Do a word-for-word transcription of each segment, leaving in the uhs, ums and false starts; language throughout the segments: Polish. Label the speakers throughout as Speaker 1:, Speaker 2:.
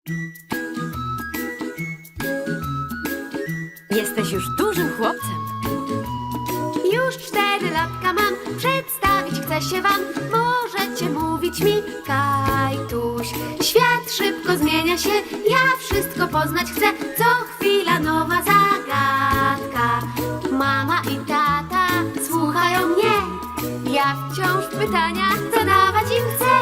Speaker 1: Jesteś już dużym chłopcem.
Speaker 2: Już cztery latka mam, przedstawić chcę się wam. Możecie mówić mi Kajtuś. Świat szybko zmienia się, ja wszystko poznać chcę. Co chwila nowa zagadka. Mama i tata słuchają mnie. Ja wciąż pytania zadawać im chcę.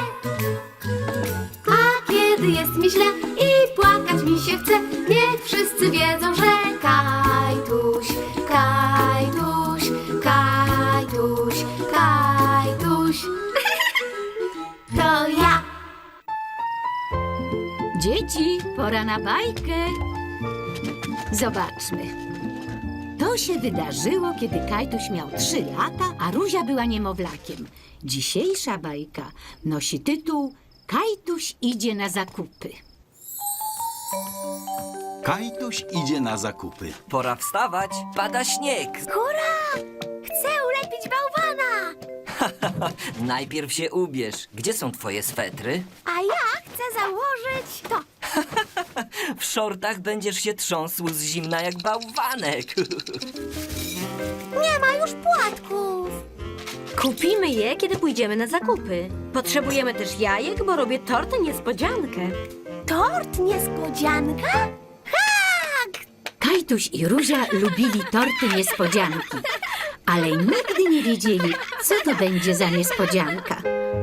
Speaker 2: A kiedy jest mi źle i płakać mi się chce, niech wszyscy wiedzą, że Kajtuś, Kajtuś, Kajtuś, Kajtuś. To ja.
Speaker 1: Dzieci, pora na bajkę. Zobaczmy. To się wydarzyło, kiedy Kajtuś miał trzy lata, a Ruzia była niemowlakiem. Dzisiejsza bajka nosi tytuł Kajtuś idzie na zakupy.
Speaker 3: Kajtuś idzie na zakupy.
Speaker 4: Pora wstawać, pada śnieg.
Speaker 2: Hurra! Chcę ulepić bałwana!
Speaker 4: Najpierw się ubierz. Gdzie są twoje swetry?
Speaker 2: A ja chcę założyć to.
Speaker 4: W szortach będziesz się trząsł z zimna jak bałwanek.
Speaker 2: Nie ma już płatków.
Speaker 1: Kupimy je, kiedy pójdziemy na zakupy. Potrzebujemy też jajek, bo robię tort niespodziankę.
Speaker 2: Tort niespodzianka? Tak!
Speaker 1: Kajtuś i Ruzia lubili torty niespodzianki, ale nigdy nie wiedzieli, co to będzie za niespodzianka.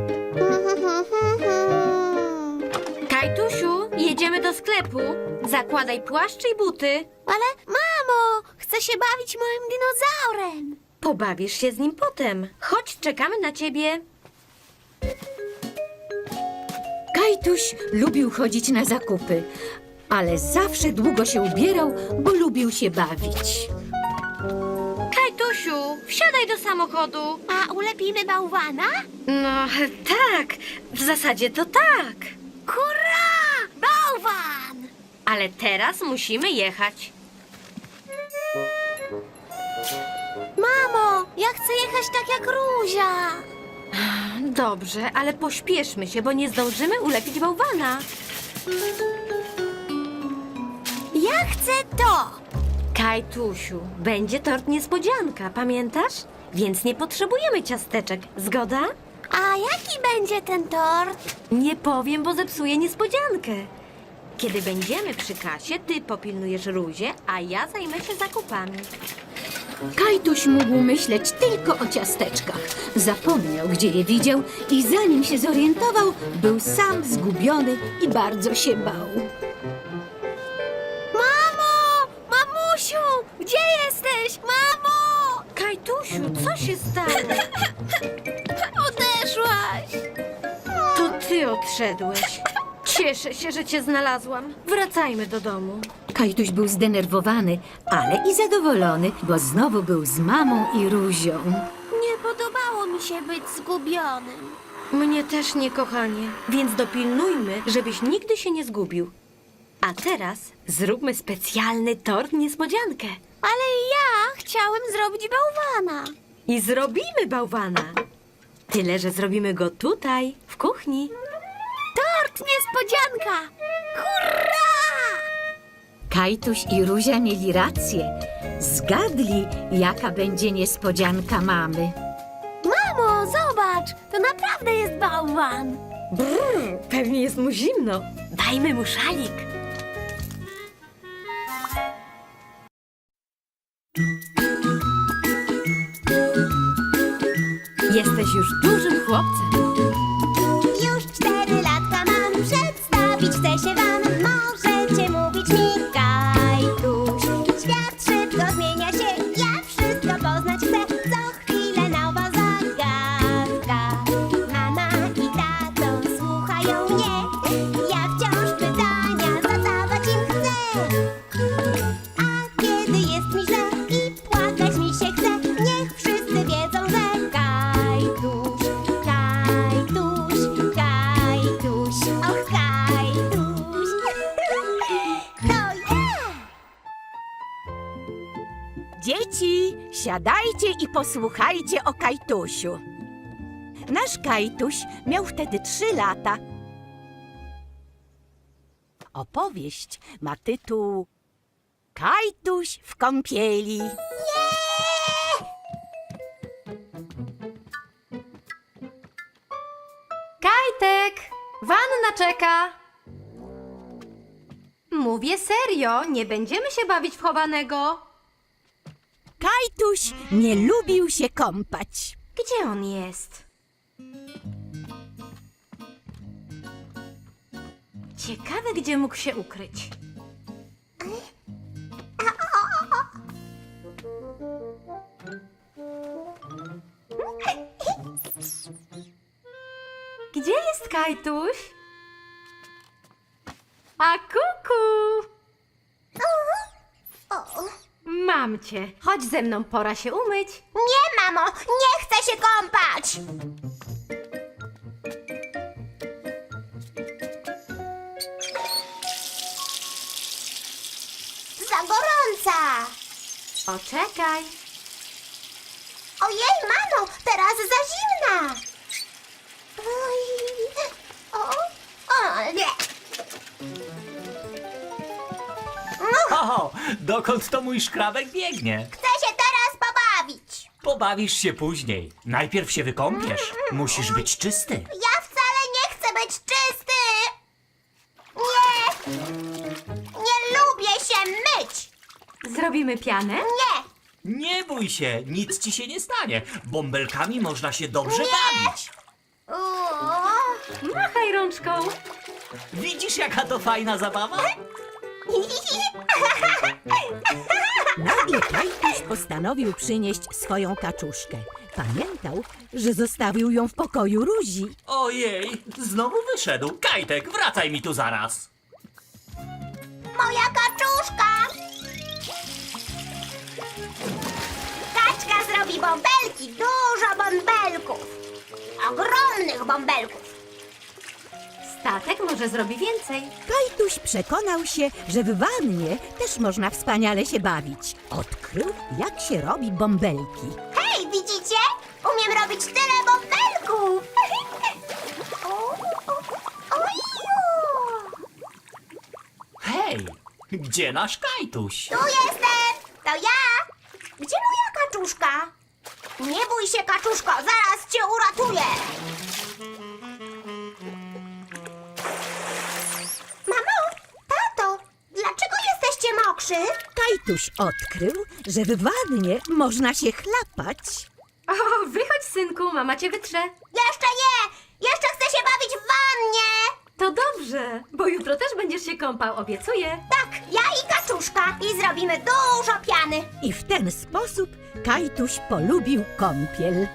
Speaker 1: Kajtusiu, jedziemy do sklepu. Zakładaj płaszcz i buty.
Speaker 2: Ale mamo, chcę się bawić moim dinozaurem.
Speaker 1: Pobawisz się z nim potem. Chodź, czekamy na ciebie. Kajtuś lubił chodzić na zakupy, ale zawsze długo się ubierał, bo lubił się bawić. Kajtusiu, wsiadaj do samochodu.
Speaker 2: A ulepimy bałwana?
Speaker 1: No, tak. W zasadzie to tak.
Speaker 2: Hurra! Bałwan!
Speaker 1: Ale teraz musimy jechać.
Speaker 2: Mamo, ja chcę jechać tak jak Ruzia.
Speaker 1: Dobrze, ale pośpieszmy się, bo nie zdążymy ulepić bałwana.
Speaker 2: Ja chcę to.
Speaker 1: Kajtusiu, będzie tort niespodzianka, pamiętasz? Więc nie potrzebujemy ciasteczek, zgoda?
Speaker 2: A jaki będzie ten tort?
Speaker 1: Nie powiem, bo zepsuję niespodziankę. Kiedy będziemy przy kasie, ty popilnujesz Ruzię, a ja zajmę się zakupami. Kajtuś mógł myśleć tylko o ciasteczkach. Zapomniał, gdzie je widział i zanim się zorientował, był sam zgubiony i bardzo się bał.
Speaker 2: Mamo! Mamusiu! Gdzie jesteś? Mamo!
Speaker 1: Kajtusiu, co się stało?
Speaker 2: Odeszłaś.
Speaker 1: To ty odszedłeś. Cieszę się, że cię znalazłam. Wracajmy do domu. Kajtuś był zdenerwowany, ale i zadowolony, bo znowu był z mamą i Ruzią.
Speaker 2: Nie podobało mi się być zgubionym.
Speaker 1: Mnie też nie, kochanie. Więc dopilnujmy, żebyś nigdy się nie zgubił. A teraz zróbmy specjalny tort niespodziankę.
Speaker 2: Ale ja chciałem zrobić bałwana.
Speaker 1: I zrobimy bałwana. Tyle, że zrobimy go tutaj, w kuchni.
Speaker 2: Tort niespodzianka! Hurra!
Speaker 1: Kajtuś i Ruzia mieli rację. Zgadli, jaka będzie niespodzianka mamy.
Speaker 2: Mamo, zobacz! To naprawdę jest bałwan.
Speaker 1: Brrr, pewnie jest mu zimno. Dajmy mu szalik. Jesteś już dużym chłopcem.
Speaker 2: Już cztery latka mam, przedstawić chcę się wam. Możecie mówić mi Kajtuś. Świat szybko zmienia się, ja wszystko poznać chcę. Co chwilę nowa zagadka. Mama i tato słuchają mnie. Ja wciąż pytania zadawać im chcę. A kiedy jest mi źle i płakać mi się chce, niech wszyscy wiedzą, że Kajtuś, Kajtuś, Kajtuś, och Kajtuś. To ja!
Speaker 5: Dzieci, siadajcie i posłuchajcie o Kajtusiu. Nasz Kajtuś miał wtedy trzy lata. Opowieść ma tytuł Kajtuś w kąpieli.
Speaker 1: Kajtek, wanna czeka. Mówię serio, nie będziemy się bawić w chowanego.
Speaker 5: Kajtuś nie lubił się kąpać.
Speaker 1: Gdzie on jest? Ciekawe, gdzie mógł się ukryć. Gdzie jest Kajtuś? A kuku! Mam cię. Chodź ze mną, pora się umyć.
Speaker 2: Nie, mamo, nie chcę się kąpać! Za gorąca!
Speaker 1: Poczekaj.
Speaker 2: Ojej, mamo, teraz za zimna! Oj, o, o, nie!
Speaker 6: Oho, dokąd to mój szkrabek biegnie?
Speaker 2: Chcę się teraz pobawić!
Speaker 6: Pobawisz się później. Najpierw się wykąpiesz. Musisz być czysty.
Speaker 2: Ja wcale nie chcę być czysty! Nie! Nie lubię się myć!
Speaker 1: Zrobimy pianę?
Speaker 2: Nie!
Speaker 6: Nie bój się, nic ci się nie stanie. Bąbelkami można się dobrze bawić.
Speaker 2: Uuu.
Speaker 1: Machaj rączką.
Speaker 6: Widzisz, jaka to fajna zabawa?
Speaker 5: Nagle Kajtuś postanowił przynieść swoją kaczuszkę. Pamiętał, że zostawił ją w pokoju Ruzi.
Speaker 6: Ojej, znowu wyszedł. Kajtek, wracaj mi tu zaraz.
Speaker 2: Moja kaczuszka! Kaczka zrobi bąbelki, dużo bąbelków! Ogromnych bąbelków!
Speaker 1: Statek może zrobi więcej.
Speaker 5: Kajtuś przekonał się, że w wannie też można wspaniale się bawić. Odkrył, jak się robi bąbelki.
Speaker 2: Hej, widzicie? Umiem robić tyle bąbelków! O, o, oju!
Speaker 6: Hej, gdzie nasz Kajtuś?
Speaker 2: Tu jestem! To ja! Gdzie moja kaczuszka? Nie bój się, kaczuszko, zaraz cię uratuję! Mamo, tato, dlaczego jesteście mokrzy?
Speaker 5: Kajtuś odkrył, że w wannie można się chlapać.
Speaker 1: O, wychodź, synku, mama cię wytrze.
Speaker 2: Jeszcze nie! Jeszcze chcę się bawić w wannie!
Speaker 1: To dobrze, bo jutro też będziesz się kąpał, obiecuję.
Speaker 2: Tak, ja i kaczuszka i zrobimy dużo piany.
Speaker 5: I w ten sposób Kajtuś polubił kąpiel.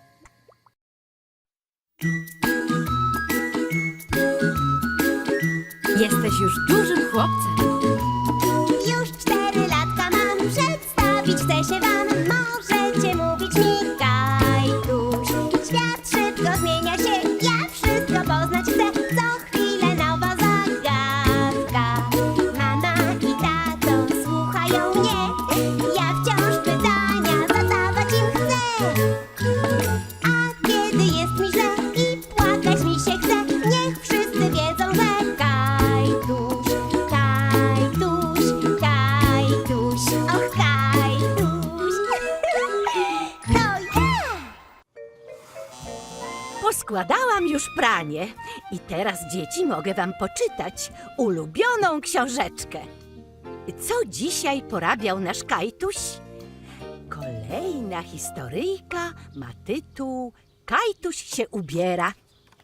Speaker 1: Jesteś już dużym chłopcem.
Speaker 2: Już cztery latka mam, przedstawić chcę się wam. Możecie mówić mi Kajtuś. Świat szybko zmienia się, ja wszystko poznać chcę. Co chwilę nowa zagadka. Mama i tato słuchają mnie. Ja wciąż pytania zadawać im chcę. A kiedy jest mi źle i płakać mi się chce, niech wszyscy wiedzą, że Kajtuś, Kajtuś, Kajtuś, och Kajtuś, to ja!
Speaker 5: Poskładałam już pranie i teraz, dzieci, mogę wam poczytać ulubioną książeczkę. Co dzisiaj porabiał nasz Kajtuś? Kolejna historyjka ma tytuł Kajtuś się ubiera.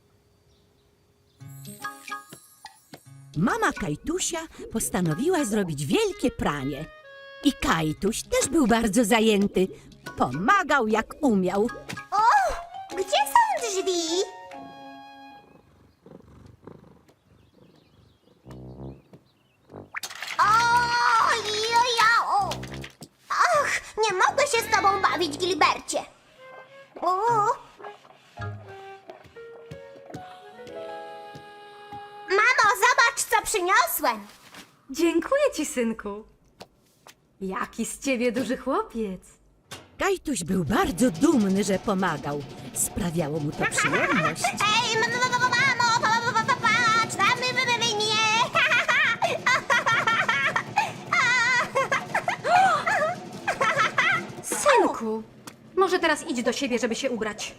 Speaker 5: Mama Kajtusia postanowiła zrobić wielkie pranie. I Kajtuś też był bardzo zajęty. Pomagał jak umiał.
Speaker 2: O, gdzie są drzwi? Ojojo! Ach, nie mogę się z tobą bawić, Gilbercie. O. Mamo, zobacz, co przyniosłem.
Speaker 1: Dziękuję ci, synku. Jaki z ciebie duży chłopiec.
Speaker 5: Kajtuś był bardzo dumny, że pomagał. Sprawiało mu to przyjemność.
Speaker 2: Ej, mamo, mamo, mamo, pa- pa- pa- patrz, tam my, my, my, mnie.
Speaker 1: Proszę teraz idź do siebie, żeby się ubrać.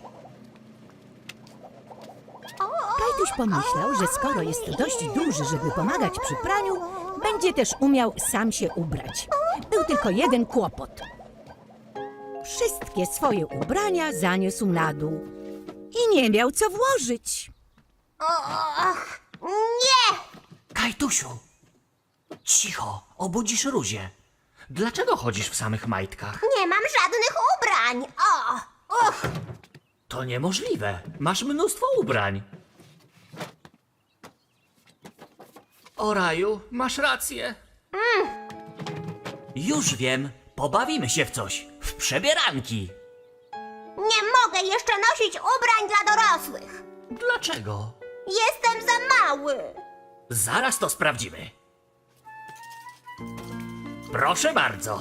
Speaker 5: Kajtuś pomyślał, że skoro jest dość duży, żeby pomagać przy praniu, będzie też umiał sam się ubrać. Był tylko jeden kłopot. Wszystkie swoje ubrania zaniósł na dół i nie miał co włożyć.
Speaker 2: Och, nie!
Speaker 6: Kajtusiu! Cicho, obudzisz Ruzię. Dlaczego chodzisz w samych majtkach?
Speaker 2: Nie mam żadnych ubrań. O! Uch!
Speaker 6: To niemożliwe. Masz mnóstwo ubrań. O raju, masz rację. Już wiem. Pobawimy się w coś. W przebieranki.
Speaker 2: Nie mogę jeszcze nosić ubrań dla dorosłych.
Speaker 6: Dlaczego?
Speaker 2: Jestem za mały.
Speaker 6: Zaraz to sprawdzimy. Proszę bardzo.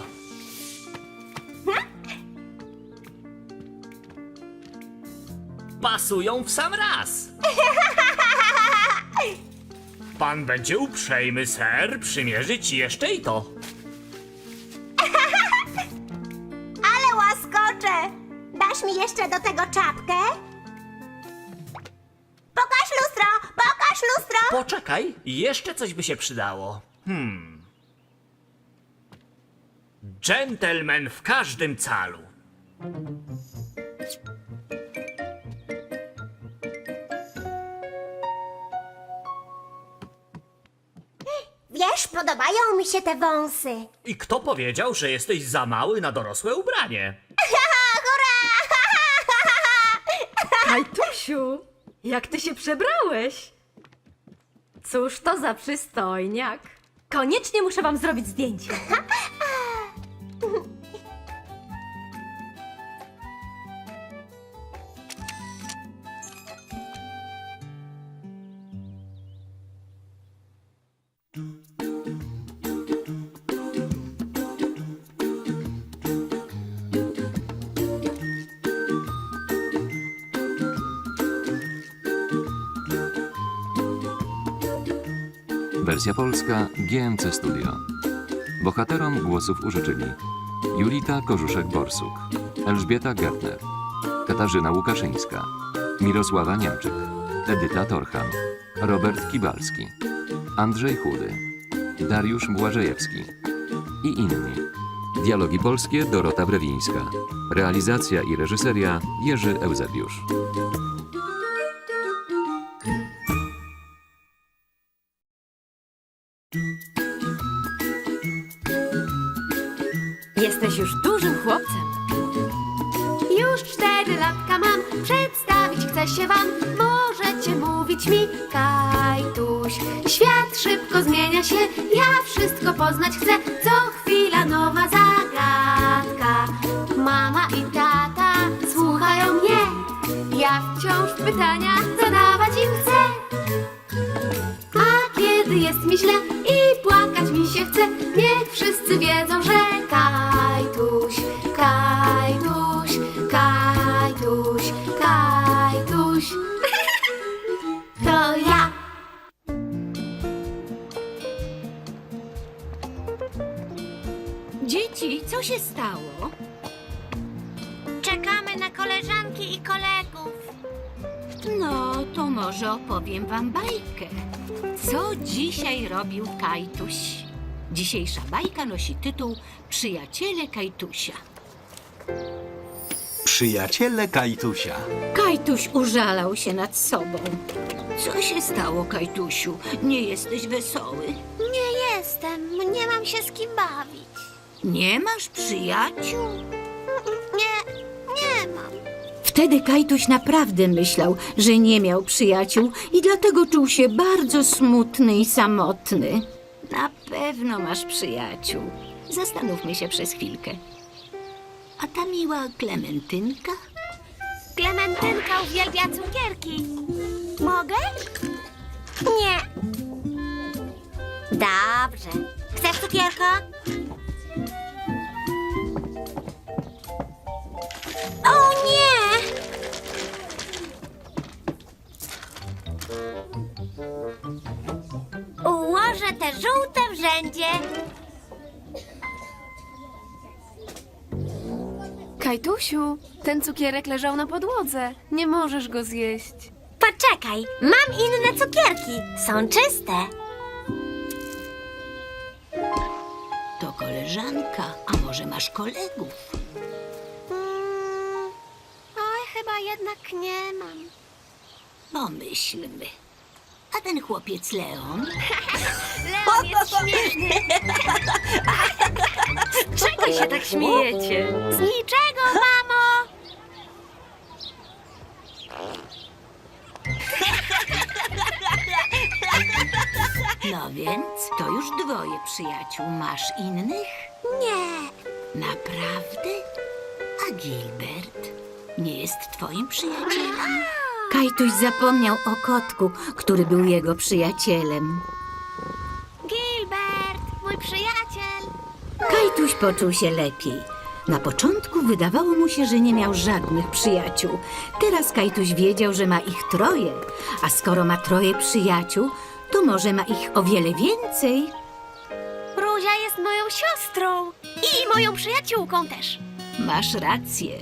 Speaker 6: Pasują w sam raz. Pan będzie uprzejmy, ser, przymierzyć jeszcze i to.
Speaker 2: Ale łaskocze. Dasz mi jeszcze do tego czapkę? Pokaż lustro! Pokaż lustro!
Speaker 6: Poczekaj, jeszcze coś by się przydało. Hmm. Dżentelmen w każdym calu.
Speaker 2: Wiesz, podobają mi się te wąsy.
Speaker 6: I kto powiedział, że jesteś za mały na dorosłe ubranie?
Speaker 1: Kajtusiu, jak ty się przebrałeś? Cóż to za przystojniak. Koniecznie muszę wam zrobić zdjęcie.
Speaker 7: Wersja polska G M C Studio. Bohaterom głosów użyczyli Julita Korzuszek-Borsuk, Elżbieta Gertner, Katarzyna Łukaszyńska, Mirosława Niemczyk, Edyta Torcham, Robert Kibalski, Andrzej Chudy, Dariusz Błażejewski i inni. Dialogi polskie Dorota Brewińska. Realizacja i reżyseria Jerzy Eusebiusz.
Speaker 1: Jesteś już dużym chłopcem.
Speaker 8: Już cztery latka mam, przedstawić chcę się wam. Możecie mówić mi Kajtuś. Świat szybko zmienia się, ja wszystko poznać chcę. Co chwila nowa zagadka. Mama i tata słuchają mnie. Ja wciąż pytania zadawać im chcę. A kiedy jest mi źle i płakać mi się chce, niech wszyscy wiedzą, że Kajtuś, Kajtuś, Kajtuś, Kajtuś. To ja.
Speaker 5: Dzieci, co się stało?
Speaker 2: Czekamy na koleżanki i kolegów.
Speaker 5: No, to może opowiem wam bajkę. Co dzisiaj robił Kajtuś? Dzisiejsza bajka nosi tytuł Przyjaciele Kajtusia.
Speaker 3: Przyjaciele Kajtusia.
Speaker 5: Kajtuś użalał się nad sobą. Co się stało, Kajtusiu? Nie jesteś wesoły?
Speaker 2: Nie jestem, nie mam się z kim bawić.
Speaker 5: Nie masz przyjaciół?
Speaker 2: Nie, nie mam.
Speaker 5: Wtedy Kajtuś naprawdę myślał, że nie miał przyjaciół i dlatego czuł się bardzo smutny i samotny. Na pewno masz przyjaciół. Zastanówmy się przez chwilkę. A ta miła Klementynka?
Speaker 2: Klementynka uwielbia cukierki. Mogę? Nie. Dobrze. Chcesz cukierka? O nie! Ułożę te żółte w rzędzie.
Speaker 8: Kajtusiu, ten cukierek leżał na podłodze. Nie możesz go zjeść.
Speaker 2: Poczekaj, mam inne cukierki. Są czyste.
Speaker 5: To koleżanka, a może masz kolegów?
Speaker 2: Mm, oj, chyba jednak nie mam.
Speaker 5: Pomyślmy. A ten chłopiec Leon?
Speaker 2: Leon jest śmieszny.
Speaker 1: Czego się tak śmiejecie?
Speaker 2: Z niczego, mamo.
Speaker 5: No więc, to już dwoje przyjaciół. Masz innych?
Speaker 2: Nie.
Speaker 5: Naprawdę? A Gilbert nie jest twoim przyjacielem? Kajtuś zapomniał o kotku, który był jego przyjacielem.
Speaker 2: Gilbert, mój przyjaciel.
Speaker 5: Kajtuś poczuł się lepiej. Na początku wydawało mu się, że nie miał żadnych przyjaciół. Teraz Kajtuś wiedział, że ma ich troje. A skoro ma troje przyjaciół, to może ma ich o wiele więcej.
Speaker 2: Ruzia jest moją siostrą i moją przyjaciółką też.
Speaker 5: Masz rację.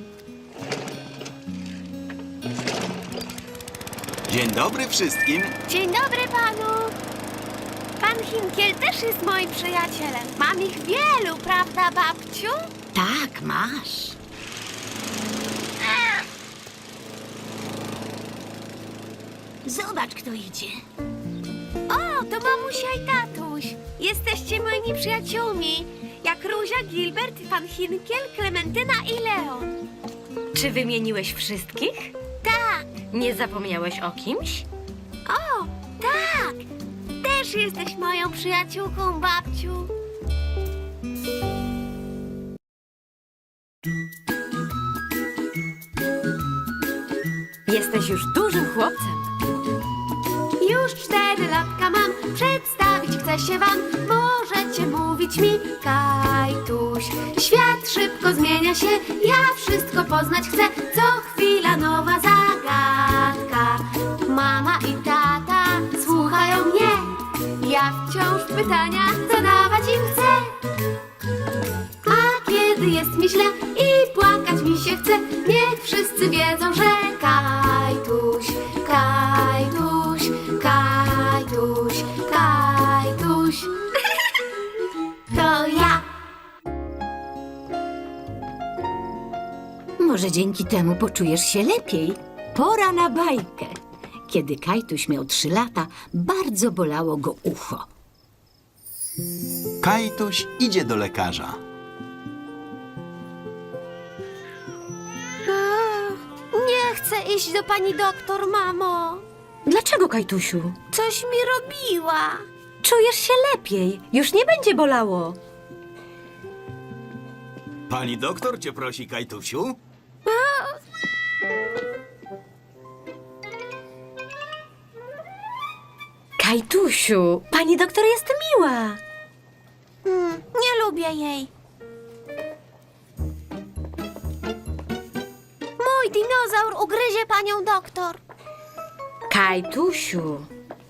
Speaker 3: Dzień dobry wszystkim.
Speaker 2: Dzień dobry panu. Pan Hinkiel też jest moim przyjacielem. Mam ich wielu, prawda, babciu?
Speaker 5: Tak, masz. Zobacz, kto idzie.
Speaker 2: O, to mamusia i tatuś. Jesteście moimi przyjaciółmi. Jak Ruzia, Gilbert, pan Hinkiel, Klementyna i Leon.
Speaker 1: Czy wymieniłeś wszystkich?
Speaker 2: Tak.
Speaker 1: Nie zapomniałeś o kimś?
Speaker 2: O, tak. Też jesteś moją przyjaciółką, babciu.
Speaker 1: Jesteś już dużym chłopcem.
Speaker 8: Już cztery latka mam, przedstawić chcę się wam. Możecie mówić mi Kajtuś. Świat szybko zmienia się, ja wszystko poznać chcę. Co chwila nowa zagadka. Mama i tata słuchają mnie. Ja wciąż pytania zadawać im chcę. A kiedy jest mi źle i płakać mi się chce, niech wszyscy wiedzą, że Kajtuś, Kajtuś, Kajtuś, Kajtuś. To ja.
Speaker 5: Może dzięki temu poczujesz się lepiej. Pora na bajkę. Kiedy Kajtuś miał trzy lata, bardzo bolało go ucho.
Speaker 3: Kajtuś idzie do lekarza.
Speaker 2: Nie chcę iść do pani doktor, mamo.
Speaker 1: Dlaczego, Kajtusiu?
Speaker 2: Coś mi robiła.
Speaker 1: Czujesz się lepiej. Już nie będzie bolało.
Speaker 3: Pani doktor cię prosi, Kajtusiu.
Speaker 1: Kajtusiu, pani doktor jest miła.
Speaker 2: Hmm, nie lubię jej. Mój dinozaur ugryzie panią doktor.
Speaker 1: Kajtusiu.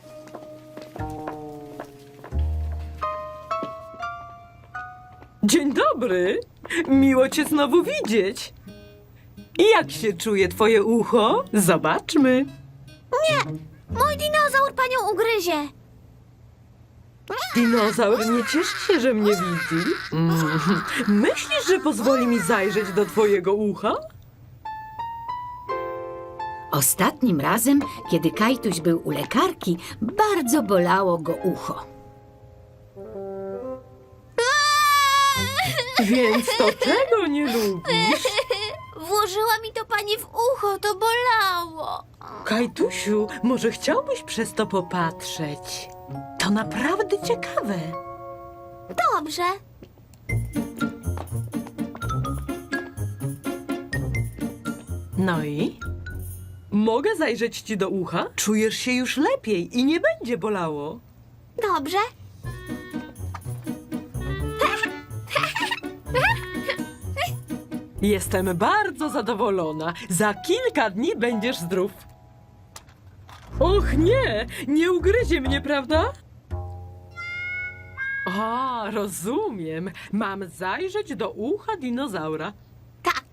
Speaker 9: Dzień dobry! Miło cię znowu widzieć. Jak się czuje twoje ucho? Zobaczmy.
Speaker 2: Mój dinozaur panią ugryzie.
Speaker 9: Dinozaur nie cieszy się, że mnie widzi. Mm. Myślisz, że pozwoli mi zajrzeć do twojego ucha?
Speaker 5: Ostatnim razem, kiedy Kajtuś był u lekarki, bardzo bolało go ucho.
Speaker 9: Więc to czego nie lubisz?
Speaker 2: Włożyła mi to pani w ucho, to bolało.
Speaker 9: Kajtusiu, może chciałbyś przez to popatrzeć? To naprawdę ciekawe.
Speaker 2: Dobrze.
Speaker 9: No i? Mogę zajrzeć ci do ucha? Czujesz się już lepiej i nie będzie bolało.
Speaker 2: Dobrze.
Speaker 9: Jestem bardzo zadowolona. Za kilka dni będziesz zdrów. Och nie, nie ugryzie mnie, prawda? A, rozumiem. Mam zajrzeć do ucha dinozaura.
Speaker 2: Tak.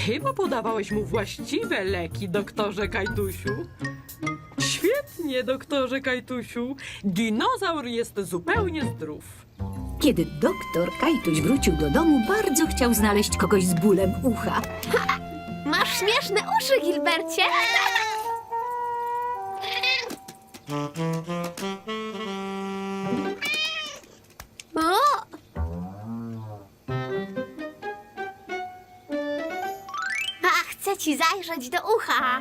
Speaker 9: Chyba podawałeś mu właściwe leki, doktorze Kajtusiu. Świetnie, doktorze Kajtusiu. Dinozaur jest zupełnie zdrów.
Speaker 5: Kiedy doktor Kajtuś wrócił do domu, bardzo chciał znaleźć kogoś z bólem ucha.
Speaker 8: Masz śmieszne uszy, Gilbercie. O! A, chcę ci zajrzeć do ucha.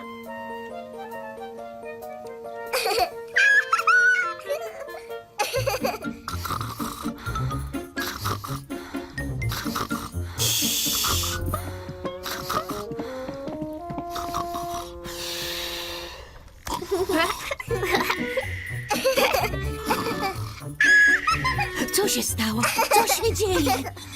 Speaker 5: Co się stało? Co się dzieje?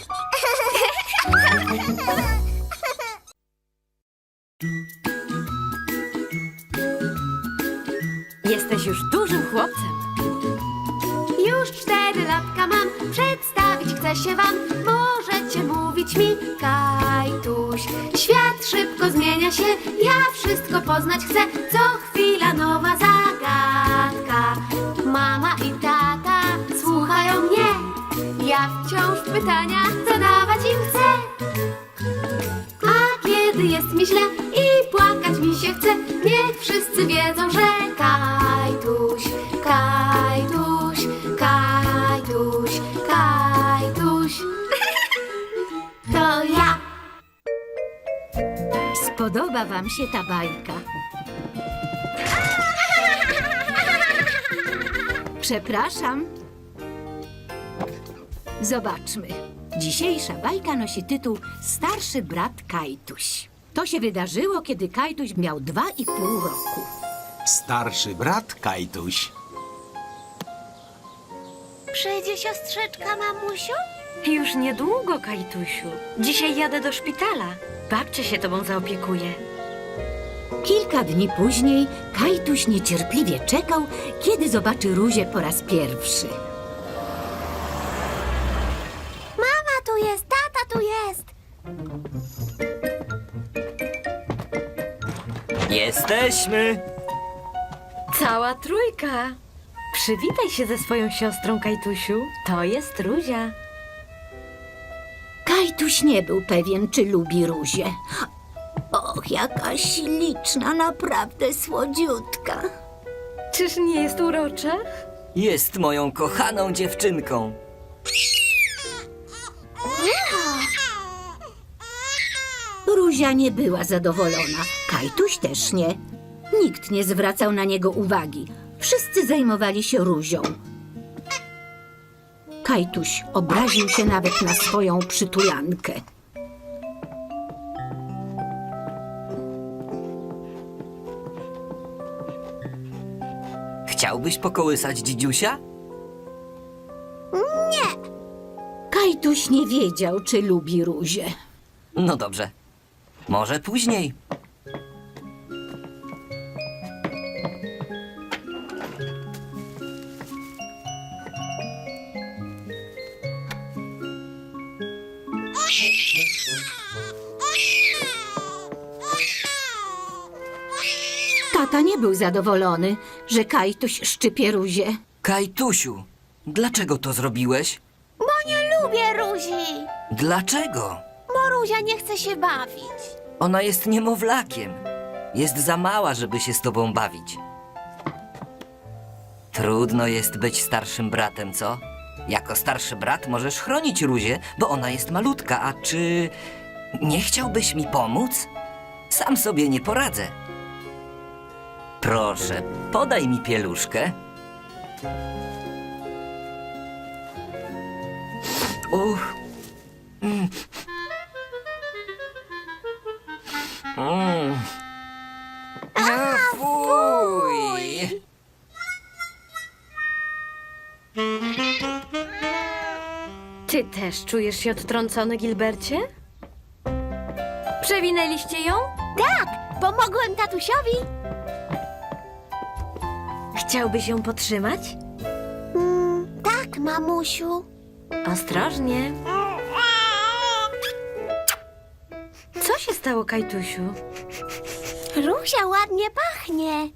Speaker 1: Jesteś już dużym chłopcem.
Speaker 8: Już cztery latka mam, przedstawić chcę się wam. Możecie mówić mi Kajtuś. Świat szybko zmienia się, ja wszystko poznać chcę. Co chwila nowa zagadka. Mama i tata słuchają mnie. Ja wciąż pytania zadawać im chcę. A kiedy jest mi źle i płakać mi się chce, niech wszyscy wiedzą, że Kajtuś, Kajtuś, Kajtuś, Kajtuś to ja.
Speaker 5: Spodoba wam się ta bajka? Przepraszam. Zobaczmy. Dzisiejsza bajka nosi tytuł Starszy brat Kajtuś. To się wydarzyło, kiedy Kajtuś miał dwa i pół roku.
Speaker 3: Starszy brat Kajtuś.
Speaker 8: Przyjdzie siostrzyczka, mamusiu?
Speaker 1: Już niedługo, Kajtusiu. Dzisiaj jadę do szpitala. Babcia się tobą zaopiekuje.
Speaker 5: Kilka dni później Kajtuś niecierpliwie czekał, kiedy zobaczy Ruzię po raz pierwszy.
Speaker 8: Mama tu jest, tata tu jest.
Speaker 4: Jesteśmy!
Speaker 1: Cała trójka. Przywitaj się ze swoją siostrą, Kajtusiu. To jest Ruzia.
Speaker 5: Kajtuś nie był pewien, czy lubi Ruzię. Och, jaka śliczna, naprawdę słodziutka.
Speaker 1: Czyż nie jest urocza?
Speaker 4: Jest moją kochaną dziewczynką.
Speaker 5: Ruzia nie była zadowolona, Kajtuś też nie. Nikt nie zwracał na niego uwagi. Wszyscy zajmowali się Ruzią. Kajtuś obraził się nawet na swoją przytulankę.
Speaker 4: Chciałbyś pokołysać dzidziusia?
Speaker 5: Kajtuś nie wiedział, czy lubi Ruzię.
Speaker 4: No dobrze. Może później.
Speaker 5: Tata nie był zadowolony, że Kajtuś szczypie Ruzię.
Speaker 4: Kajtusiu, dlaczego to zrobiłeś?
Speaker 8: Bo nie lubię Ruzi.
Speaker 4: Dlaczego?
Speaker 8: Bo Ruzia nie chce się bawić.
Speaker 4: Ona jest niemowlakiem. Jest za mała, żeby się z tobą bawić. Trudno jest być starszym bratem, co? Jako starszy brat możesz chronić Ruzię, bo ona jest malutka, a czy nie chciałbyś mi pomóc? Sam sobie nie poradzę. Proszę, podaj mi pieluszkę. Uch. Mm. Mm. A, fuj!
Speaker 1: Ty też czujesz się odtrącony, Gilbercie? Przewinęliście ją?
Speaker 8: Pomogłem tatusiowi.
Speaker 1: Chciałbyś ją podtrzymać?
Speaker 8: Mm, tak, mamusiu.
Speaker 1: Ostrożnie. Co się stało, Kajtusiu?
Speaker 2: Ruzia ładnie pachnie.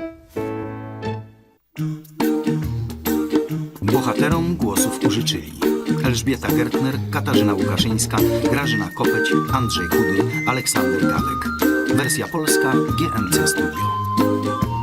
Speaker 3: Bohaterom głosów użyczyli Elżbieta Gertner, Katarzyna Łukaszyńska, Grażyna Kopeć, Andrzej Chudy, Aleksander Gadek. Wersja polska G M C Studio.